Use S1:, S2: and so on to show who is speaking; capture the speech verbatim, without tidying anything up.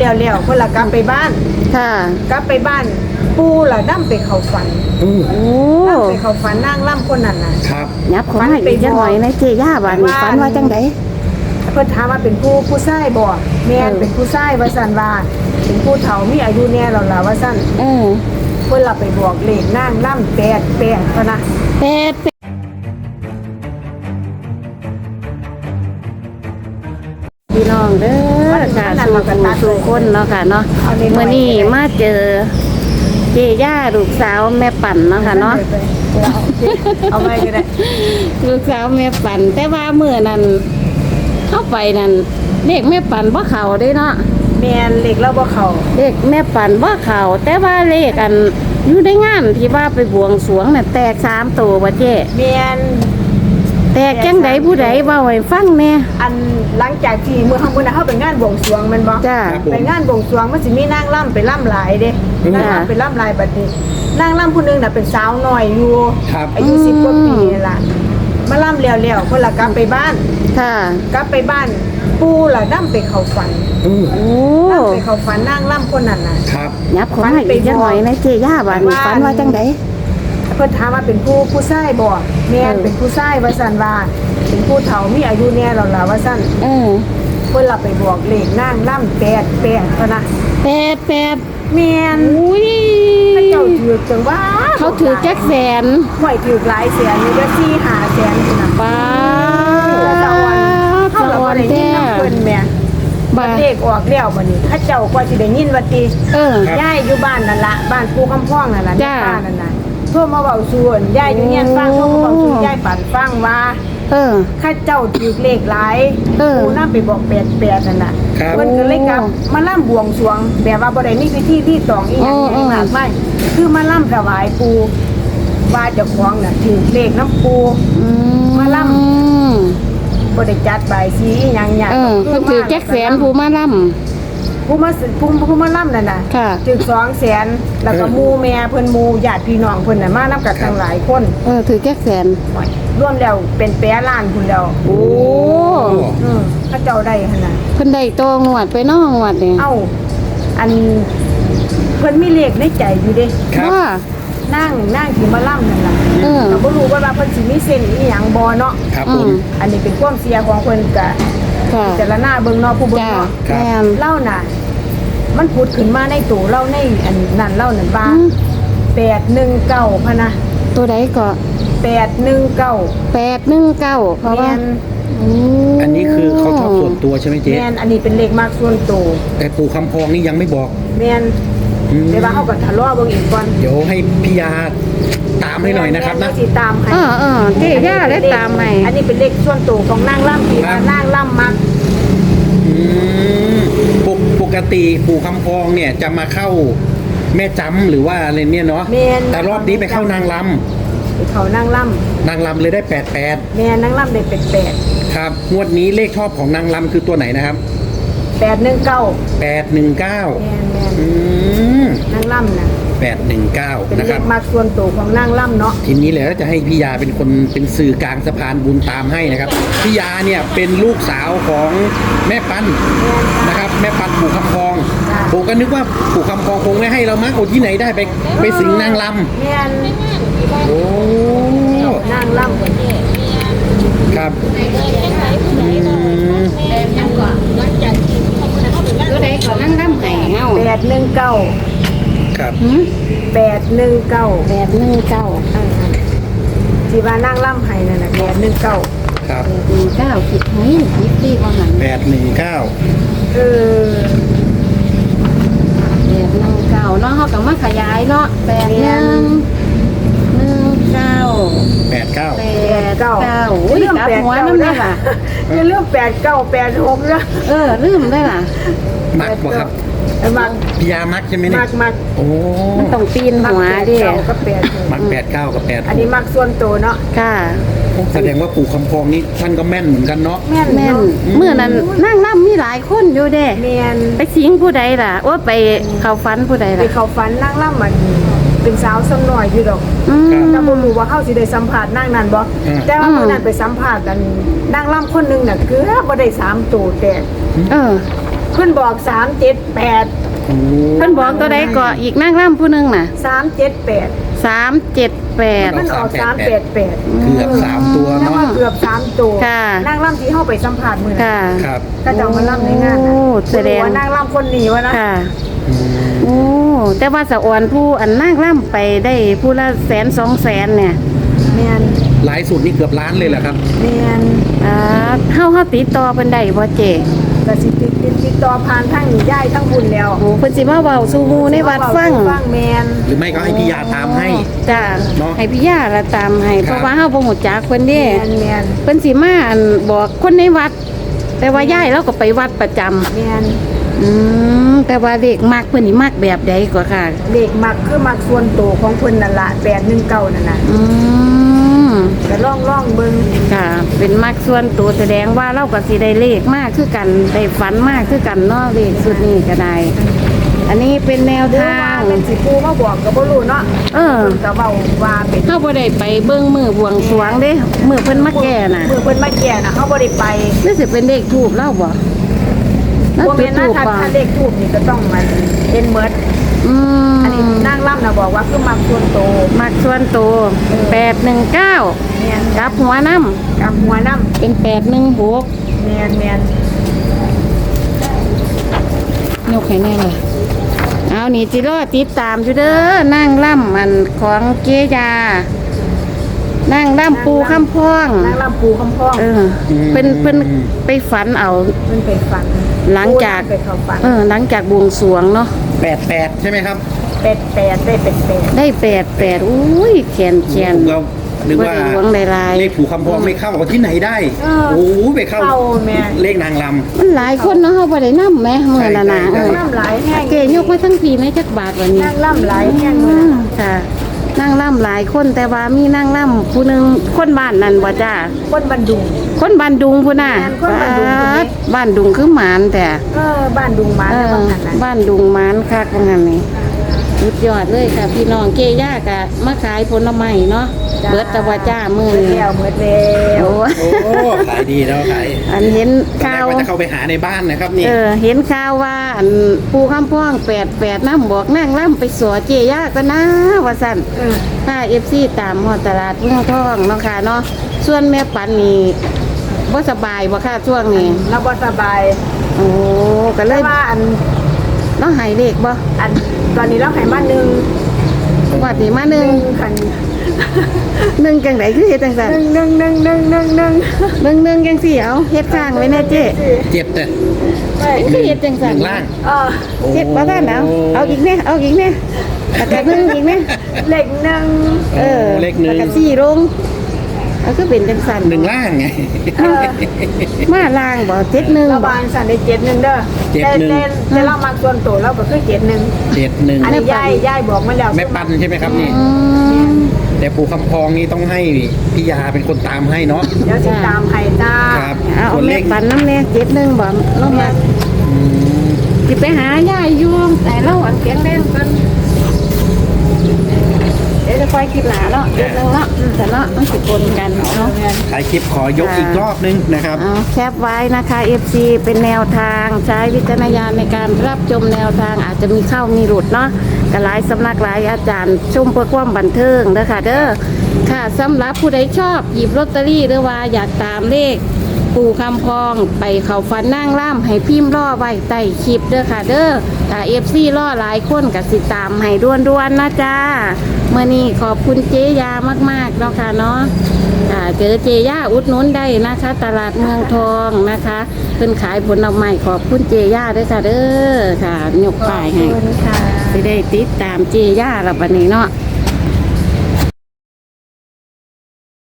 S1: แล้วแล้วเพิ่นละกลับไปบ้าน
S2: ค่ะ
S1: กลับไปบ้านปู่ล่ะนำไปเข้าฝัน
S2: โอ้
S1: นำไปเข้าฝันนางล่ำคนนั้นน่ะ
S3: ครับ
S2: ยับของให้อีกจังหน่อยนะเจย่าบ้านนี้ฝันว่าจังได๋
S1: เพิ่นถามว่าเป็นผู้ผู้ชายบ่แม่นเป็นผู้ชายว่าซั่นว่าเป็นผู้เฒ่ามีอายุแน่แล้วล่ะว่าซั่น
S2: เออ
S1: เพิ่นละไปบอกเลขนางล่ำแปดแปดเท่านะ
S2: แปดพี่น้องเด้อค่ะสู่ผู้สู่คนเนาะค่ะเนาะเมื่อนี้มาเจอเจย่าลูกสาวแม่ปั่นเนาะค่ะเนาะ
S1: เอาไปก็ได้
S2: ลูกสาวแม่ปั่นแต่ว่าเมื่อนั้นเข้าไปนั่นเด็กแม่ปั่นบ่เข่าได้เนาะ
S1: แม่นเลขเราบ่เข้า
S2: เด็กแม่ปั่นบ่เข่าแต่ว่าเลขอันอยู่ในงานที่ว่าไปบวงสรวงน่ะแตกสามตัวบ่เจ้
S1: แม่น
S2: แตกจังไดผู้ใดเว้าให้ฟังแน่
S1: อันหลังจากที่มื้อข้างบนน่ะเฮาไปงานบวงสรวงแม่นบ่
S2: จ้า
S1: ไปงานบวงสรวงมันสิมีนางล่ำไปล่ำหลายเด้นางล่ำไปล่ำหลายบัดนี้นางล่ำผู้นึงน่ะเป็นสาวน้อยอยู่อายุสิบกว่าปีนี่ล่ะมาล่ำแล้วแล้วเพิ่นละกลับไปบ้าน
S2: ค่ะ
S1: กลับไปบ้านปู่ล่ะนำไปเข้าฝัน
S3: โอ้
S1: นำไปเข้าฝันนางล่ำคนนั้นน่ะ
S3: ครับ
S2: ยับของให้อีกจังหน่อยนะเจย่าบ้านนี้ฝันว่าจังได๋
S1: เพิ่นถามว่าเป็นผู้ผู้ชายบ่แม่นเป็นผู้ชายว่าซั่นว่าเป็นผู้เฒ่ามีอายุแน่แล้วล่ะว่าซั่น
S2: เออ
S1: เพิ่นละไปบอกเลขนางล่ำแปดแปดเท่านะ
S2: แปดแปด
S1: แม่น
S2: อุ้ย
S1: พระเจ้าถือจังว่า
S2: เขาถือแจ็คแสน
S1: ห่วยถือหลายแสนนี่ก็สี่ห้าแสนนี่นะ
S2: ป้า
S1: สวรรค์เฮาก็บ่ได้ยินนำเพิ่นแม่บัดเลขออกแล้วบัดนี้พระเจ้ากว่าสิได้ยินว่าติ
S2: เอ
S1: อย่ายอยู่บ้านนั่นล่ะบ้านปู่คำพ้องนั่นล่ะในบ้านนั่นน่ะโทรมาเว้าสู่ย่ายอยู่เฮียนฟังโทรมาเว้าสู่ย่ายปั่นฟังว่า
S2: เออ
S1: ข้าเจ้าถือเลขหลายปู่นำไปบอกแปดแปดนั่นน่ะเพิ่นก็เลยกลับมาล่ำบวงสรวงแบบว่าบ่ได้มีพิธีที่ตองอีหยังอย่างมากมายคือมาล่ำถวายปู่ว่าเจ้าของน่ะถือเลขน้ำปู่มาล่ำบ่ได้จัดใบายสีอีหยังหยัง
S2: เออเพิ่นถือแจ็คแสนผู้มาล่ำ
S1: ผู้มาผู้ผู้มาล่ำนั่นน่ะถือสองแสนแล้วก็หมู่แม่เพิ่นหมู่ญาติพี่น้องเพิ่นน่ะมานำกันทั้งหลายคน
S2: เออถือแจ็คแสน
S1: รวมแล้วเป็นแปดล้านพุ่นแล้ว
S2: โอ้
S1: อือเขาเจ้าได้หั่นน่ะ
S2: เพิ่นได้โตงวดไปน้องวดนี่
S1: เอ้าอันเพิ่นมีเลขในใจอยู่เด้
S2: ว่า
S1: นั่งนั่งที่มาล่ำนั่นล่ะ
S2: เออ
S1: ก็บ่รู้ว่าเพิ่นสิมีเส้นอีหยังบ่เนาะ
S3: ครับผม
S1: อันนี้เป็นความเสียของเพิ่นก็แต่ละหน้าเบิ่งเนาะผู้เบิ่งเนาะเล่าน่ะมันพูดขึ้นมาในตู้เล่าในอันนั่นเล่านั่นว่าแปดหนึ่งเก้าพะนะ
S2: ตัวใดก็
S1: แปดหนึ่งเก้า
S2: แปดหนึ่งเก้าเพราะว่า
S3: อันนี้คือเขาชอบส่วนตัวใช่ไหมเจ๊
S1: แม่นอันนี้เป็นเลขมากส่วนตัว
S3: แต่ปู่คำพองนี่ยังไม่บอก
S1: แม่นเดี๋ยวว่าเฮาก็ทะเลาะเบิ่งอีกก่อน
S3: เดี๋ยวให้พี่ยาตามให้หน่อยนะครับนะ
S1: สิตามให้
S2: เออๆเจ๊ย่าได้ตามให้
S1: อันนี้เป็นเลขส่วนตัวของนางล่ำที่นางล่ำมัก
S3: อืมปกติปู่คำพองเนี่ยจะมาเข้าแม่จำหรือว่าอะไรเนี่ยเนาะแต่รอบนี้ไปเข้านางลำ
S1: ไปเข้านางล
S3: ำนางลำเลยได้แปดแปด
S1: แม่นางลำได้แปดแปด
S3: ครับงวดนี้เลขชอบของนางลำคือตัวไหนนะครับ
S1: แปดหนึ่งเก้า
S3: แปดหนึ่งเก้า
S1: แม่นแม่น
S3: อืม
S1: นางลำนะ
S3: แปดหนึ่งเก้านะครับ
S1: เป็นเลขมากส่วนตัวของนางลำเนาะ
S3: ทีนี้แหละจะให้พี่ยาเป็นคนเป็นสื่อกลางสะพานบุญตามให้นะครับพี่ยาเนี่ยเป็นลูกสาวของแม่ปันนะครับแม่ปันปู่คำพองผมก็นึกว่าปู่คำพองคงไม่ให้เรามั้งโอ้ที่ไหนได้ไปไปสิงนางล
S1: ำแม่น
S3: โอ้
S1: นางล
S3: ำครับอืม
S2: ตัวใดก็นั่งร่ำไห้เงา
S1: แปดหนึ่งเก้า
S3: ครับ
S1: แปดหนึ่งเก้า
S2: แปดหนึ่งเก้า
S1: ที่ว่านั่งล่ำไห้นั่นน่ะแปดหนึ่งเก้า
S3: ครับ
S2: แปดหนึ่งเก้าคิดไหมคิดดีกว่าหัน
S3: แปดหนึ่งเก้า
S1: เออ
S2: แปดหนึ่งเก้าเนาะเขาก็มาขยายเนาะแปดหนึ่งหนึ่งเก้า
S3: แปดเก้า
S2: แปดเก้า
S1: เรื่องแปดหัวน้ำได้ล่ะจะเรื่องแปดเก้าแปดหกนะ
S2: เออลืมได้ล่ะ
S3: มักบ่ครับ
S1: มัก
S3: พี่ยามักใช่ไหมเนี่ย
S1: มักมัก
S3: โอ้
S2: มันต้องปีนหัวดิ
S1: ก็แปด
S3: มักแปดเก้ากับแปด
S1: อันนี้มักส่วนตัวเนาะ
S2: ค่ะ
S3: แสดงว่าปู่คำพองนี่ท่านก็แม่นเหมือนกันเนาะ
S1: แม่น
S2: แม่นเมื่อนั้นนั่งล่ำมีหลายคนอยู่เด้
S1: แม่น
S2: ไปสิงผู้ใดล่ะว่าไปเข้าฝันผู้ใดล่ะ
S1: ไปเข้าฝันนั่งล่ำมันเป็นสาวสำน้อยอยู่ดอกแต่บ่รู้ว่าเฮาสิได้สัมภาษณ์นางนั้นบ่แต่ว่ามื้อนั้นไปสัมภาษณ์กันนางล่ำคนนึงน่ะคือบ่ได้สามตัวแต่
S2: เออ
S1: เพิ่นบอกสามเจ็ดแปด
S3: โอ้
S2: เพิ่นบอกตัวใดก็อีกนางร่ำผู้หนึงน่ะ
S1: สามเจ็ดแปด
S2: สามเจ็ดแปด
S1: มันออกสามแปดแปด
S3: เกือบสามตัว
S1: นั่ง
S3: เนาะ
S1: ว่าเกือบสามตัว
S2: ค่ะ
S1: นั่งล่ำที่เข้าไปสัมผัสมือ
S2: ค่ะ
S3: ครับ
S1: ก็จะเอามาล่ำในงานนะ
S2: โอ้แสดง
S1: ว่านั่งล่ำคนหนีวะนะ
S2: ค่ะ
S3: อืม
S2: โอ้แต่ว่าสะอวนผู้อันนางร่ำไปได้ผู้ละแสนสองแสนเนี่ย
S1: เมียน
S3: หลายสุดนี่เกือบล้านเลยเหรอครับ
S1: เมียน
S2: อ่าเฮาเฮาติดต่อเพิ่นได้บ่เจ
S1: แต่สิติดติดติดต่อผ่านทั้งย่ายทั้งบุญแล้ว
S2: โอ้เพิ่นสิมาเว้าสู่หมู่ในวัดฟัง
S1: ฟังเมียน
S3: หรือไม่ก็ให้พี่ยาตามให้
S2: จ้า
S3: เนาะ
S2: ให้พี่ย่าละตามให้
S3: ครับ
S2: เพราะว่าเฮาบ่ฮู้จักเพิ่นเด้
S1: เมียนเมียน
S2: เพิ่นสิมาอันบอกคนในวัด แต่ว่าย่ายเราก็ไปวัดประจำ
S1: เมียน
S2: อืมแต่ว่าเด็กมักเพิ่นนี่มักแบบใดกว่าค่ะ
S1: เด็กมักคือมักส่วนโตวของเพิ่นนั่นละแปดหนึ่งเก้านั่นน่ะ
S2: อืม
S1: ก็ล่องล่องเบิ่ง
S2: ค่ะ เป็นมักส่วนตัวแสดงว่าเราก็สิได้เลขมากคือกันได้ฝันมากคือกันเนาะเลขสุดนี้ก็ได้ อันนี้เป็นแนว
S1: หรือ
S2: ทา
S1: ว่าง เป็นสิปูมาบอกก็บ่รู้เนาะ
S2: เออ
S1: เพิ่นก็เว้าว่าเป็น
S2: เฮาบ่ได้ไปเบิ่งมือบวงสรวงเด้มือเพิ่นมาแก่น่ะ
S1: เมื่อเพิ่นมาแก่น่ะเฮาบ่ได้ไป
S2: นี่สิเป็นเลขทูบเล่าบ่แล้ว
S1: บ่
S2: จุ
S1: แม่
S2: ด
S1: นนะ
S2: ทูบ
S1: ถ้า
S2: บ่
S1: ถ้าเลขทูบนี่ก็ต้องมันเป็นเมิด
S2: อืม
S1: อันนี้นางล่ำน่ะบอกว่าคือมักส่วนโตว
S2: มักส่วนตัวแปดหนึ่งเก้า
S1: เมียน
S2: กลับหัวน้
S1: กับหัวน้
S2: ำเป็นแปดหนึ่งหก
S1: ำเมียนเมียน
S2: ยกให้แน่เลยเอานี่จิรอติดตามอยู่เด้อนั่งล่ำมันของเกยา นั่งล่ำปูข้ามพ้อง
S1: นางล่ำปูคำพ้อง
S2: เออเป็นเป็นไปฝันเอา
S1: เพิ่นไปฝัน
S2: หลังจาก
S1: ไปเข้าฝัน
S2: เออหลังจากบวงสรวงเนาะ
S3: แปดแปดใช่ไหมครับ
S1: เป็ดแปดได้เป็ดแปด
S2: ได้แปดแปดอุ้ยแขนแขน
S3: ผมก็นึกว่า
S2: บ่ได้หวงหลายๆ
S3: เลขผูกคำพองไม่เข้าเอาที่ไหนได้
S1: เออ
S3: โอ้โหไปเข้า
S1: เข้าแม่
S3: เลขนางล
S2: มันหลายคนเนาะเฮาบ่ได้นำแหมมื้อนั้นน่ะ
S3: ใช่
S2: เอ
S3: ใช่
S2: อ
S1: น้ำหลายแห้ง
S2: เกยกมาทั้งปีไหมจักบาทวันนี้
S1: นางล่ำหลายแห้ง
S2: อื
S1: เลย
S2: มค่ะนั่งล่ำหลายคนแต่ว่ามีนั่งล่ำผู้หนึงคนบ้านนั่นบ่จ้า
S1: คนบันดุง
S2: คนบ้านดุงพุ่นน่ะ
S1: แม่นคนบ้านดุงพุ่นนี่
S2: บ้านดุงคือหมานแต่
S1: เออบ้านดุงมา
S2: เอ
S1: ได้
S2: อ
S1: บางหันนะ
S2: บ้านดุงหมานคักว่างั้นนี่สุดยอดเลยค่ะ พี่น้องเกย่ากะมาขายผลไม้เนาะเบิดตะว่าจ้ามื้อ
S1: เมื่อ
S2: นี้
S1: แล้วเมื่อแล้ว
S2: โอ้
S3: ำโอ้ขายดีแล้วขาย
S2: อันเห็น
S3: ตอน
S2: ข่า
S3: แรก
S2: ว
S3: ว่าจะเข้าไปหาในบ้านนะครับนี่
S2: เออเห็นข่าวว่าอันปูข้ามพ่องแปดแปดน้ำบอกนั่งล่ำไปสัวเจย่าก็นะว่าสั่น
S1: เออ
S2: ถ้าเอฟซีตามหอดตลาดเมืองทองเนาะค่ะเนาะส่วนแม่ปันนี่บ่สบายบ่ค่ะช่วงนี้
S1: เราบ่สบาย
S2: โอ้ก็เล
S1: แต่
S2: ย
S1: ว่าอัน
S2: เนาะหายเลขบ่
S1: อันตอนนี้เราให้มาหนึ่ง
S2: วัดนี้มาห
S1: ห
S2: นึ่
S1: นึ่
S2: ง
S1: งคัน
S2: หนึ่งจังไดคือเฮ็ดจังซั่น
S1: หนึ่งหนึ่งหนึ่งหนึ่งหนึ่งหนึ่ง
S2: หนึ่งหนึ่งจังสี่เอาเฮ็ดข้างไว้แน่เจ๊
S3: เจ็บแต่
S1: ไม่
S2: คือเฮ็ดจัง
S3: ห
S2: ซั่น
S3: นึ่งล่าง
S1: เออ
S2: เฮ็ดบ่ทันเอาเอาอีกแน่เอาอีกแน่แล้วก็หนึ่งอีกแน่
S1: เลขหนึ่ง
S2: เออ
S3: เลขหนึ่ง
S2: แล้วก็สี่ลงเอาคือเป็นจังซั่น
S3: หนึ่งล่างไง
S1: เออ
S2: มาล่างบ่เจ็ดหนึ่ง
S1: เรา
S2: บ่
S1: บานสั่นได้เจ็ดหนึ่งเด้อ
S3: เจ็ด
S1: แต่
S3: หนึ่ง
S1: แต่แต่เรามาส่วนตัวเราก็คือเจ็ดหนึ่ง
S3: เจ็ดหนึ่ง
S1: อันนี้ยายยายบอกมาแล้ว
S3: แม่ปันใช่ไหมครับนี่
S2: อืม
S3: แต่ผูกคำพองนี่ต้องให้พี่ยาเป็นคนตามให้เนาะ
S1: เดี๋ยวสิตามให้จ้า
S3: ครับ
S2: เอา
S3: ส่วนเล
S2: แม่
S3: ข
S2: ปันน้ำแน่เจ็ดหนึ่งบ่เรามา
S3: อืม
S2: สิไปหายายอยู่แต่เราอันแข็งแรงกันเดี๋ยวจะคอยคิดหลาเนาะเจ็ดหนึ่งเนาะแต่เนาะมันสิปนกันเนาะ
S3: ถ่ายคลิปขอยกอีกรอบนึงนะครับ
S2: เอาแคปไว้นะคะ เอฟ ซี เป็นแนวทางใช้วิจารณญาณในการรับชมแนวทางอาจจะมีเข้ามีหลุดเนาะกหลายสำนักหลายอาจารย์ชมเพื่อความบันเทิงเด้อค่ะเด้อค่ะสำหรับผู้ใดชอบหยิบลอตเตอรี่หรือว่าอยากตามเลข ปู่คำพองไปเขาฟันนั่งล่ำให้พิมพ์ล่อไว้ใต้คลิปเด้อค่ะเด้อถ้าเอฟซีล่อหลายคนกับสิตามให้ด้วนๆนะจ้าเมื่อนี้ขอบคุณเจยามากๆเนาะค่ะเนาะค่ะเจอเจย่าอุดหนุนได้นะคะ ตลาดเมืองทองนะคะเพิ่นขายผลไม้ขอบคุณเจย่าด้วยค่ะเด้อค่ะยกป้ายให้
S1: ขอบคุณค่ะ
S2: สิได้ติดตามเจย่าละบัดนี้เนาะ